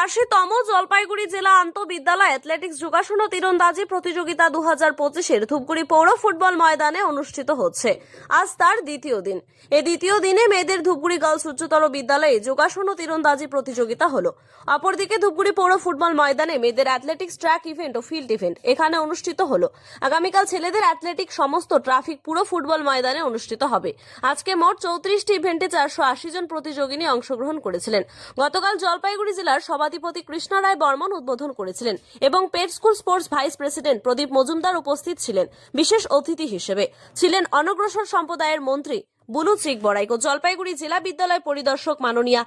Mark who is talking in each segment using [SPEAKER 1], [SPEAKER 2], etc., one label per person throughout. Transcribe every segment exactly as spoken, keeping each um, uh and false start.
[SPEAKER 1] ছিয়াশিতম জলপাইগুড়ি জেলা আন্তঃবিদ্যালয় অ্যাথলেটিক্স যোগাসন ও তীরন্দাজি প্রতিযোগিতা দু হাজার পঁচিশের ধূপগুড়ি পৌর ফুটবল ময়দানে অনুষ্ঠিত হচ্ছে। আজ তার দ্বিতীয় দিন। এই দ্বিতীয় দিনে মেয়েদের ধূপগুড়ি গার্লস উচ্চতর বিদ্যালয়ে যোগাসন ও তীরন্দাজি প্রতিযোগিতা হলো। অপরদিকে ধূপগুড়ি পৌর ফুটবল ময়দানে মেয়েদের অ্যাথলেটিক্স ট্র্যাক ইভেন্ট ও ফিল্ড ইভেন্ট এখানে অনুষ্ঠিত হলো। আগামীকাল ছেলেদের অ্যাথলেটিক সমস্ত ট্রাফিক পুরো ফুটবল ময়দানে অনুষ্ঠিত হবে। আজকে মোট চৌত্রিশটি ইভেন্টে চারশো আশি জন প্রতিযোগিনী অংশগ্রহণ করেছিলেন। গতকাল জলপাইগুড়ি জেলার সভাধিপতি কৃষ্ণ রায় বর্মন উদ্বোধন করেছিলেন এবং পেট school sports vice president Pradip Majumdar উপস্থিত ছিলেন। বিশেষ অতিথি হিসেবে ছিলেন অনগ্রসর সম্প্রদায়ের মন্ত্রী বুলু চিক বড়াইক ও জলপাইগুড়ি জেলা বিদ্যালয় পরিদর্শক মাননীয়া।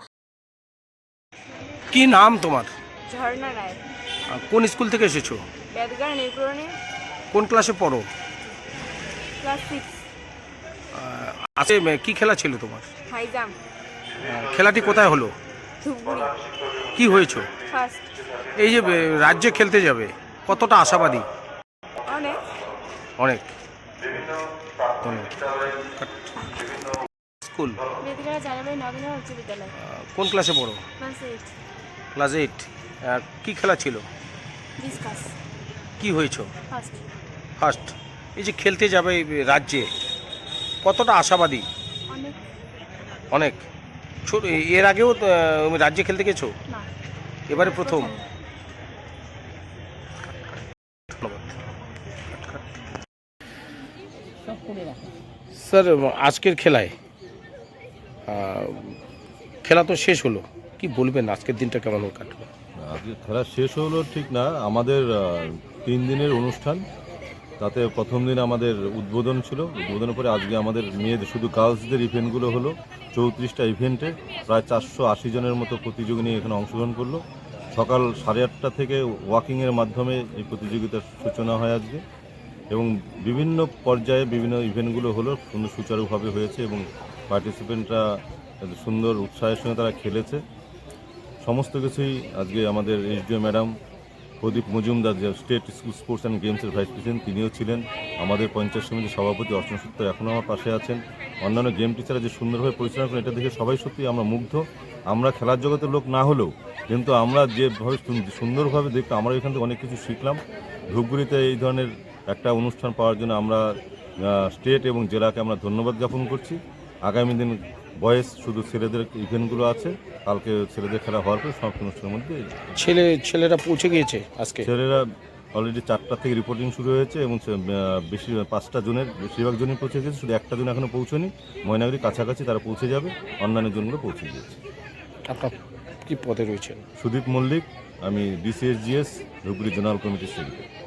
[SPEAKER 2] কি নাম তোমার?
[SPEAKER 3] ঝর্ণা রায়।
[SPEAKER 2] আহ, কোন স্কুল থেকে এসেছো?
[SPEAKER 3] বেদগাঁ নিউপুরনি,
[SPEAKER 2] কোন ক্লাসে পড়ো?
[SPEAKER 3] Class six.
[SPEAKER 2] আজকে আহ, কি খেলা ছিল তোমার?
[SPEAKER 3] High jump.
[SPEAKER 2] আহ, খেলাটি কোথায় হলো?
[SPEAKER 3] ধূপগুড়ি
[SPEAKER 2] কি হয়েছো?
[SPEAKER 3] ফার্স্ট।
[SPEAKER 2] এই যে আহ, রাজ্যে খেলতে যাবে, কতটা আশাবাদী?
[SPEAKER 3] অনেক।
[SPEAKER 2] অনেক। ধন্যবাদ। স্কুল
[SPEAKER 3] বেদগাঁ জানাবাই নবীন উচ্চ বিদ্যালয়,
[SPEAKER 2] আহ, কোন ক্লাসে পড়ো?
[SPEAKER 3] Class eight.
[SPEAKER 2] Class eight. কি খেলা ছিল?
[SPEAKER 3] ডিসকাস।
[SPEAKER 2] কি হয়েছো?
[SPEAKER 3] ফার্স্ট।
[SPEAKER 2] ফার্স্ট। এই যে খেলতে যাবে এই রাজ্যে, কতটা আশাবাদী?
[SPEAKER 3] অনেক।
[SPEAKER 2] অনেক। ছোট এর আগেও আহ, রাজ্যে খেলতে গেছো?
[SPEAKER 3] না,
[SPEAKER 2] এবারে প্রথম। স্যার, আজকের খেলায় আহ, খেলা তো শেষ হলো, কি বলবেন আজকের দিনটা কেমন কাটলো?
[SPEAKER 4] আজকে খেলা শেষ হলো ঠিক না, আমাদের আহ, তিন দিনের অনুষ্ঠান। তাতে প্রথম দিন আমাদের উদ্বোধন ছিল, উদ্বোধনের পরে আজকে আমাদের মেয়েদের শুধু গার্লসদের ইভেন্টগুলো হলো। চৌত্রিশটা ইভেন্টে প্রায় চারশো আশি জনের মতো প্রতিযোগিনী এখানে অংশগ্রহণ করলো। সকাল সাড়ে আটটা থেকে ওয়াকিংয়ের মাধ্যমে এই প্রতিযোগিতার সূচনা হয় আজকে, এবং বিভিন্ন পর্যায়ে বিভিন্ন ইভেন্টগুলো হলো, সুন্দর সুচারুভাবে হয়েছে এবং পার্টিসিপেন্টরা সুন্দর উৎসাহের সঙ্গে তারা খেলেছে। সমস্ত কিছুই আজকে আমাদের এসডিও ম্যাডাম প্রদীপ মজুমদার, যে স্টেট স্কুল স্পোর্টস অ্যান্ড গেমসের ভাইস প্রেসিডেন্ট, তিনিও ছিলেন। আমাদের পঞ্চায়েত সমিতির সভাপতি অর্চনা সূত্র এখনও আমার পাশে আছেন। অন্যান্য গেম টিচাররা যে সুন্দরভাবে পরিচালনা করেন, এটা দেখে সবাই সত্যি আমরা মুগ্ধ। আমরা খেলার জগতের লোক না হলেও কিন্তু আমরা যেভাবে সুন্দরভাবে দেখতে, আমরা এখান থেকে অনেক কিছু শিখলাম। ধূপগুড়িতে এই ধরনের একটা অনুষ্ঠান পাওয়ার জন্য আমরা স্টেট এবং জেলাকে আমরা ধন্যবাদ জ্ঞাপন করছি। আগামী দিন বয়েস শুধু ছেলেদের ইভেন্টগুলো আছে, কালকে ছেলেদের খেলা হওয়ার পরে সব অনুষ্ঠানের মধ্যে
[SPEAKER 2] ছেলে ছেলেরা পৌঁছে গিয়েছে আজকে?
[SPEAKER 4] ছেলেরা অলরেডি চারটা থেকে রিপোর্টিং শুরু হয়েছে এবং বেশি পাঁচটা জনের বেশিরভাগ জনই পৌঁছে গেছে, শুধু একটা জন এখনও পৌঁছনি। ময়নাগুড়ি কাছাকাছি তারা পৌঁছে যাবে, অন্যান্য জনগুলো পৌঁছে গিয়েছে।
[SPEAKER 2] আপনার কি পদে রয়েছেন?
[SPEAKER 4] সুদীপ মল্লিক, আমি ডিসিএসজিএস ধূপগুড়ি জোনাল কমিটির সেক্রেটারি।